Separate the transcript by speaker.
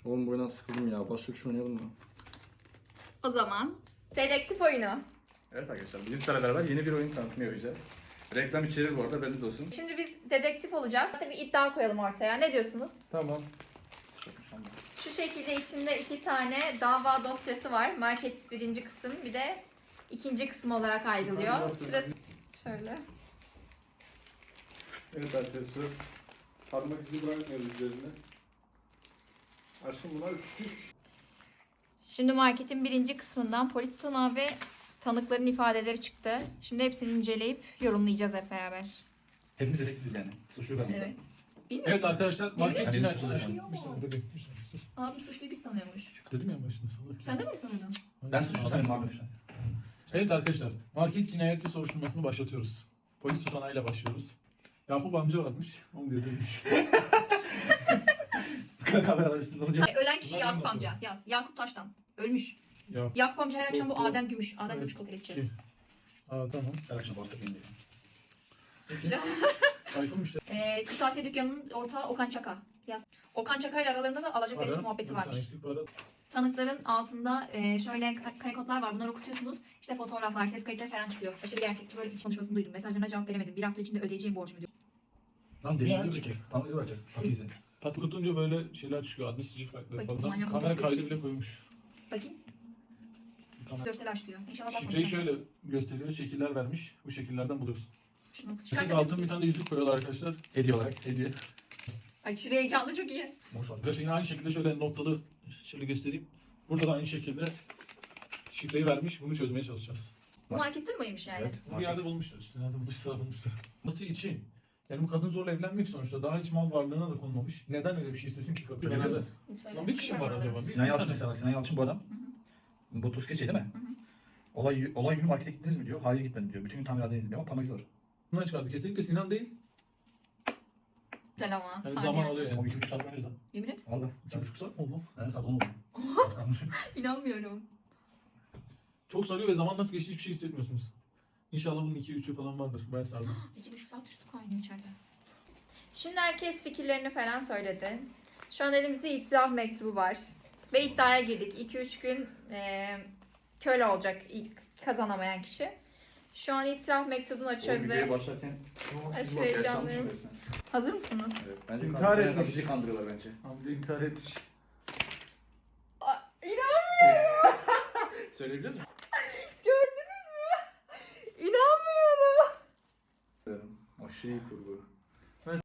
Speaker 1: Oğlum bu oyundan sıkıldım ya. Başka bir şey oynayalım mı?
Speaker 2: O zaman dedektif oyunu.
Speaker 1: Evet arkadaşlar, bugün sizlerle beraber yeni bir oyun tanıtımı yapacağız. Reklam içerir bu arada, haberiniz olsun.
Speaker 2: Şimdi biz dedektif olacağız. Hadi bir iddia koyalım ortaya. Ne diyorsunuz?
Speaker 1: Tamam.
Speaker 2: Şu şekilde içinde 2 tane dava dosyası var. Market birinci kısım, bir de ikinci kısım olarak ayrılıyor. Sırası şöyle.
Speaker 1: Evet arkadaşlar, parmak izi bırakmıyoruz üzerinde. Aşkım bunlar küçük.
Speaker 2: Şimdi marketin birinci kısmından polis tunağı ve tanıkların ifadeleri çıktı. Şimdi hepsini inceleyip yorumlayacağız hep beraber.
Speaker 3: Hepimiz dedektifiz yani. Suçlu ben.
Speaker 2: Evet. Bilmiyorum.
Speaker 4: Evet arkadaşlar, market
Speaker 3: Yani
Speaker 4: cinayeti.
Speaker 3: suçlu
Speaker 2: yaşıyor mu?
Speaker 4: Bir saniye bebeğim, bir saniye sus.
Speaker 2: Abi suçluyu biz sanıyormuş.
Speaker 4: Dedim ya başında salak.
Speaker 2: Sen de mi öyle sanıyordun?
Speaker 3: Ben suçlu sayılmam arkadaşlar.
Speaker 4: Evet arkadaşlar, market cinayeti soruşturmasını başlatıyoruz. Polis tutanağıyla başlıyoruz. Yakup amca varmış, onu diyor demiş.
Speaker 3: Kameralar üstünde olacak.
Speaker 2: Ölen kişi
Speaker 4: Bunlar
Speaker 2: Yakup
Speaker 4: ne
Speaker 2: amca. Yaz. Yakup Taş'tan. Ölmüş.
Speaker 4: Ya,
Speaker 2: Yakup amca her akşam bu
Speaker 4: Bu-
Speaker 2: Adem Gümüş. Adem
Speaker 4: evet,
Speaker 2: Gümüş kabul edeceğiz.
Speaker 4: kim? Aa tamam.
Speaker 3: Her akşam varsa benim de.
Speaker 4: Peki. Tayfun işte.
Speaker 2: Kırtasiye dükkanının ortağı Okan Çaka. Yaz. Okan Çaka ile aralarında da alacak verici muhabbeti varmış. Tanıkların altında şöyle kare kodlar var. Bunları okutuyorsunuz. İşte fotoğraflar, ses kayıtları falan çıkıyor. Aşırı gerçekçi böyle iç konuşmasını duydum. Mesajlarına cevap veremedim. Bir hafta içinde ödeyeceğim borcumu diyor.
Speaker 3: Lan deli
Speaker 4: Ya,
Speaker 3: gibi çekecek. Parmak izi bırakacak. Pat izi.
Speaker 4: Pat okutunca böyle şeyler çıkıyor, adli sicil farkları
Speaker 2: Bakayım,
Speaker 4: falan.
Speaker 2: manyak
Speaker 4: Kamera
Speaker 2: otuz
Speaker 4: kaydı
Speaker 2: iki.
Speaker 4: bile koymuş.
Speaker 2: Bakayım. Görsel aç diyor. İnşallah
Speaker 4: Şifreyi
Speaker 2: bakmamışlar.
Speaker 4: şöyle gösteriyor, şekiller vermiş. Bu şekillerden buluyorsun.
Speaker 2: Şunu
Speaker 4: Mesela
Speaker 2: çıkartabilir
Speaker 4: altın
Speaker 2: misin?
Speaker 4: bir tane de yüzük koyuyorlar arkadaşlar.
Speaker 3: Hediye olarak.
Speaker 4: Hediye.
Speaker 2: Ay şuraya heyecanlı çok iyi.
Speaker 3: Boş ver.
Speaker 4: Arkadaşlar yine aynı şekilde şöyle noktalı şöyle göstereyim. Burada da aynı şekilde şifreyi vermiş. Bunu çözmeye çalışacağız.
Speaker 2: Bu marketin miymiş yani?
Speaker 3: Evet.
Speaker 4: Bunu bir yerde bulmuşlar işte. Nerede bulmuşlar bulmuşlar. Nasıl için? Yani bu kadın zorla evlenmek sonuçta. Daha hiç mal varlığına da konmamış. Neden öyle bir şey istesin ki kadın?
Speaker 3: Şöyle
Speaker 4: Yani-
Speaker 3: bir-
Speaker 2: Söyle.
Speaker 4: Lan bir kişi mi var acaba?
Speaker 3: Sinan Yalçın mesela bak. Sinan Yalçın bu adam. Bu Tuzkeçi değil mi? Olay günü markete gittiniz mi diyor. Hayır gitmedim diyor. Bütün gün tamirhanedeydim diyor ama parmak izi var.
Speaker 4: Bundan çıkardı. Kesinlikle Sinan değil.
Speaker 2: Güzel ama.
Speaker 4: Yani
Speaker 2: Saniye.
Speaker 4: zaman alıyor
Speaker 3: Ama
Speaker 4: yani.
Speaker 3: 2,5 saat oynuyoruz lan.
Speaker 2: Yemin et.
Speaker 3: Valla.
Speaker 4: 2,5 saat mi oldu?
Speaker 3: Yani saat 10 oldu.
Speaker 2: İnanmıyorum.
Speaker 4: Çok sarıyor ve zaman nasıl geçti hiçbir şey hissetmiyorsunuz. İnşallah bunun 2-3'ü falan vardır. Bayağı sardı.
Speaker 2: 2,5 saat üstü kaynıyor içeride. Şimdi herkes fikirlerini falan söyledi. Şu an elimizde itiraf mektubu var. Ve iddiaya girdik. 2-3 gün köle olacak ilk kazanamayan kişi. Şu an itiraf mektubunu açıyoruz ve
Speaker 1: başlarken
Speaker 2: aşırı heyecanlıyım. Hazır mısınız?
Speaker 1: Evet, bence
Speaker 4: İntihar etmiş.
Speaker 1: Bizi kandırıyorlar bence.
Speaker 4: Hamza intihar etmiş.
Speaker 2: İnanmıyorum.
Speaker 1: Söyleyebilir miyim?
Speaker 2: Gördünüz mü? İnanmıyorum.
Speaker 1: Aşırı iyi kurgu.